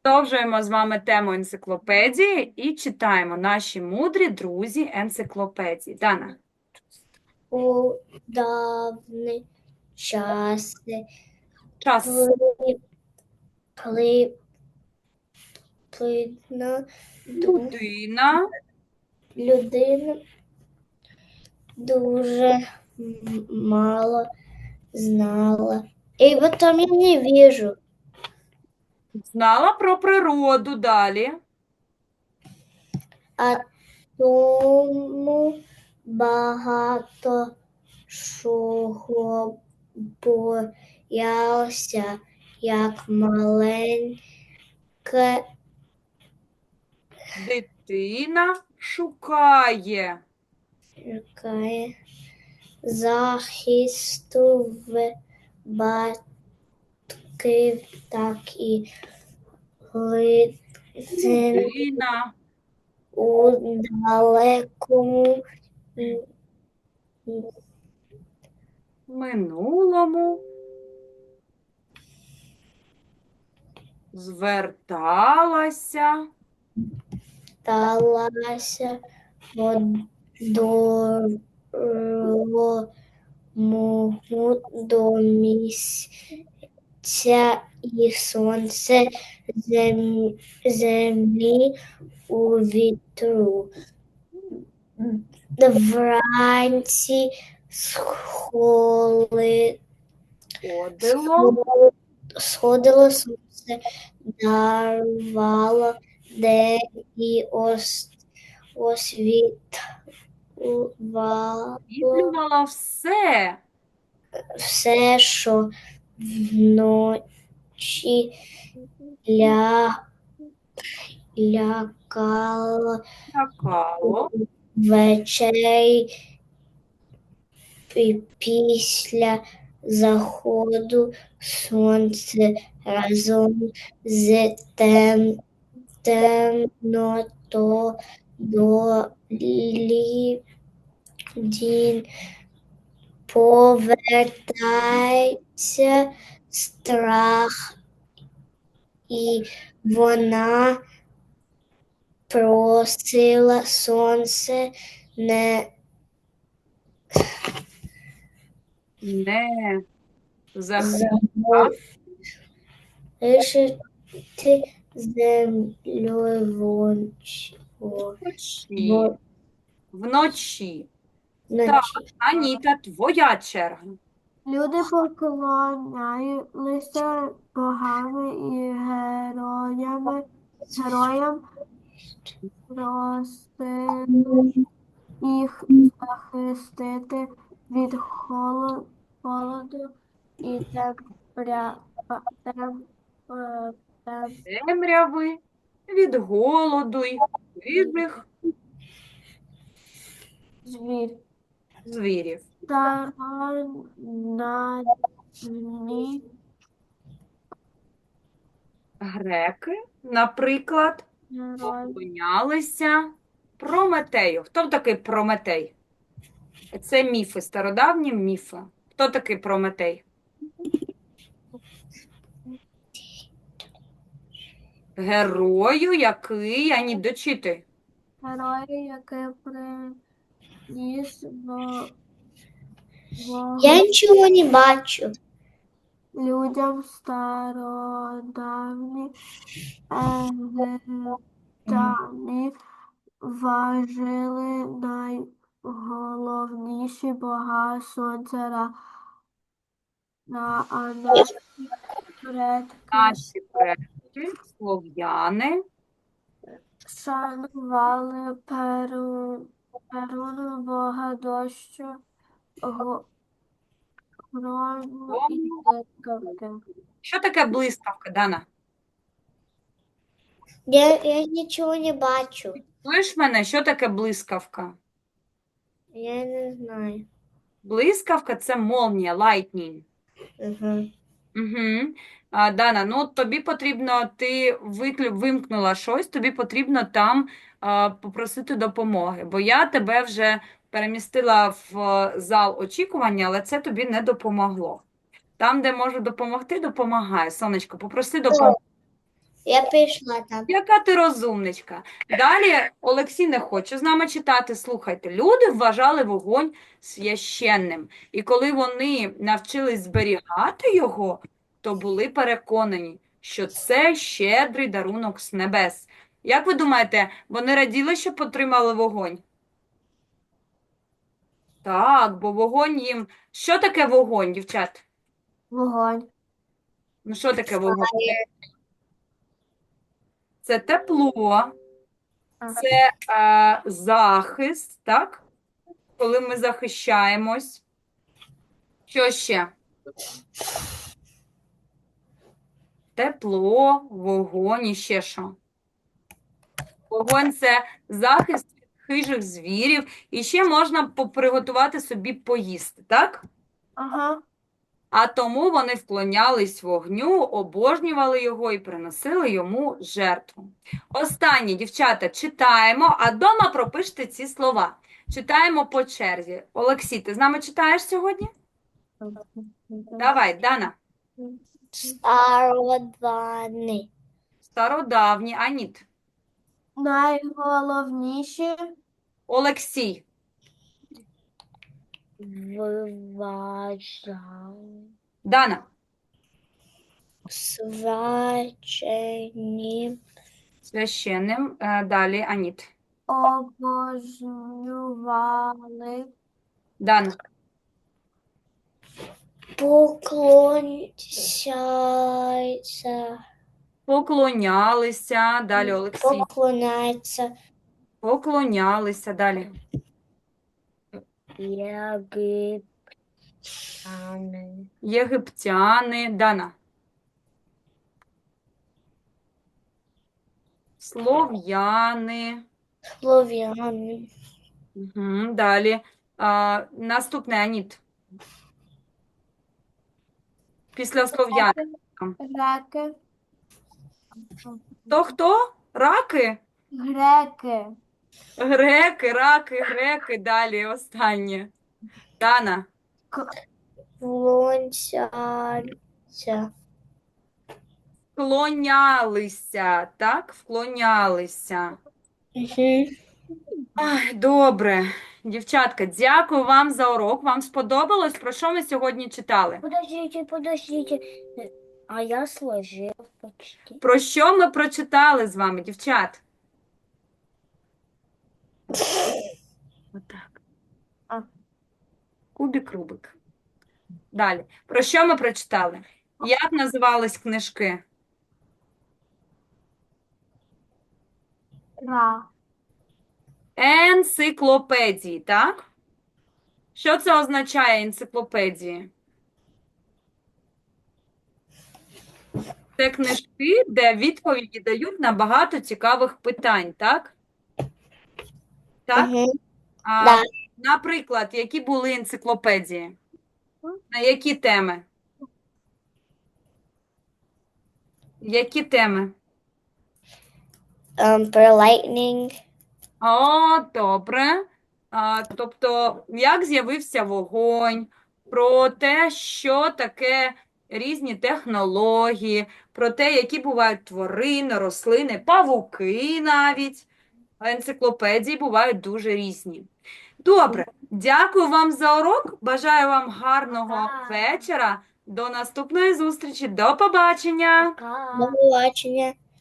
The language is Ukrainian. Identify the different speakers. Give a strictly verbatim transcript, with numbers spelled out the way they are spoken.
Speaker 1: Продовжуємо з вами тему енциклопедії і читаємо наші мудрі друзі енциклопедії. Дана.
Speaker 2: У давні часи,
Speaker 1: Час.
Speaker 2: коли, коли плідна ду-
Speaker 1: Людина.
Speaker 2: людина дуже м- мало знала. І потім я не вижу.
Speaker 1: Знала про природу далі.
Speaker 2: А тому багато чого боявся, як маленьке
Speaker 1: Дитина шукає.
Speaker 2: Шукає захисту в батьків, так і глибин
Speaker 1: Людина
Speaker 2: у далекому
Speaker 1: в минулому зверталася
Speaker 2: сталася дорогому до місця і сонце зем- землі у вітру. Вранці схоли,
Speaker 1: ходило
Speaker 2: сходило сонце, дарувало день і ос, освітлювало
Speaker 1: світлювала все.
Speaker 2: все, що вночі ля, лякало
Speaker 1: Лякало.
Speaker 2: ввечері і після заходу сонця разом з тем, темнотою день повертається страх, і вона просила сонце не
Speaker 1: Не захищати
Speaker 2: залишити землею вонч- во-
Speaker 1: вночі.
Speaker 2: во-
Speaker 1: Вночі. Так,
Speaker 2: вночі.
Speaker 1: Аніта, твоя черга.
Speaker 3: Люди поклонялися богами і героями, героям, просили їх захистити від холо- холоду і темря, тем, е, тем,
Speaker 1: Темряви, від голоду й хижих
Speaker 3: звір.
Speaker 1: звірів.
Speaker 3: Старанні
Speaker 1: Греки, наприклад,
Speaker 3: герої
Speaker 1: поклонялися Прометею. Хто такий Прометей? Це міфи, стародавні міфи. Хто такий Прометей? Герою, який, ані дочити.
Speaker 3: Герої, який приніс во-
Speaker 2: Я
Speaker 3: вогонь
Speaker 2: нічого не бачу.
Speaker 3: людям стародавні египтяни вважали найголовніші бога сонця Ра, на- а наші предки
Speaker 1: Наші предки, слов'яни,
Speaker 3: шанували Перу, Перуну, бога дощу, го- грому і
Speaker 1: Тому-
Speaker 3: блискавки.
Speaker 1: Що таке блискавка, Дана?
Speaker 2: Я, я нічого не бачу.
Speaker 1: Чуєш мене, що таке блискавка?
Speaker 2: Я не знаю.
Speaker 1: Блискавка – це молнія, lightning.
Speaker 2: Угу.
Speaker 1: Угу. А, Дана, ну тобі потрібно, ти виклю, вимкнула щось, тобі потрібно там а, попросити допомоги, бо я тебе вже перемістила в е, зал очікування, але це тобі не допомогло. Там, де можу допомогти, допомагає. Сонечко, попроси допомоги.
Speaker 2: Я пішла там.
Speaker 1: Яка ти розумничка. Далі Олексій не хоче з нами читати. Слухайте, люди вважали вогонь священним. І коли вони навчились зберігати його, то були переконані, що це щедрий дарунок з небес. Як ви думаєте, вони раділи, що отримали вогонь? Так, бо вогонь їм... Що таке вогонь, дівчат?
Speaker 3: Вогонь.
Speaker 1: Ну, що таке вогонь? Це тепло, це е, захист, так? Коли ми захищаємось. Що ще? Тепло, вогонь і ще що? Вогонь – це захист від хижих звірів. І ще можна по- приготувати собі поїсти, так?
Speaker 3: Ага.
Speaker 1: А тому вони вклонялись вогню, обожнювали його і приносили йому жертву. Останнє, дівчата, читаємо, а дома пропиште ці слова. Читаємо по черзі. Олексій, ти з нами читаєш сьогодні? Давай, Дана.
Speaker 2: Стародавні.
Speaker 1: Стародавні, Аніт.
Speaker 3: Найголовніші
Speaker 1: Олексій.
Speaker 2: Вважали.
Speaker 1: Дана.
Speaker 2: Свячені.
Speaker 1: Священним. Е, Далі Аніт.
Speaker 3: обожнювали
Speaker 1: Дана.
Speaker 2: Поклоняться.
Speaker 1: Поклонялися. Далі Олексій.
Speaker 2: Поклоняться.
Speaker 1: Поклонялися. Далі.
Speaker 2: Єгиптяни.
Speaker 1: Єгиптяни. Дана. Слов'яни.
Speaker 2: Слов'яни.
Speaker 1: Угу. Далі. А, наступне Аніт. Після слов'ян.
Speaker 3: греки,
Speaker 1: То хто? Раки?
Speaker 3: греки,
Speaker 1: Греки, раки, греки. Далі останнє. Дана.
Speaker 2: Вклоняться.
Speaker 1: Вклонялися, так? Вклонялися.
Speaker 2: Угу.
Speaker 1: Ай, добре. Дівчатка, дякую вам за урок. Вам сподобалось? Про що ми сьогодні читали?
Speaker 2: Подождите, подождите. А я сложил почти.
Speaker 1: Про що ми прочитали з вами, дівчат? Отак.
Speaker 3: А.
Speaker 1: Кубик Рубик. Далі. Про що ми прочитали? Як називались книжки?
Speaker 3: ра,
Speaker 1: Енциклопедії, так? Що це означає енциклопедії? Це книжки, де відповіді дають на багато цікавих питань, так? Так?
Speaker 2: Угу.
Speaker 1: А,
Speaker 2: Да.
Speaker 1: наприклад, які були енциклопедії? На які теми? Які теми?
Speaker 2: Um, про lightning.
Speaker 1: О, добре. А, тобто, як з'явився вогонь, про те, що таке різні технології, про те, які бувають тварини, рослини, павуки навіть. Енциклопедії бувають дуже різні. Добре, дякую вам за урок. Бажаю вам гарного вечора. До наступної зустрічі. До побачення.
Speaker 2: До побачення.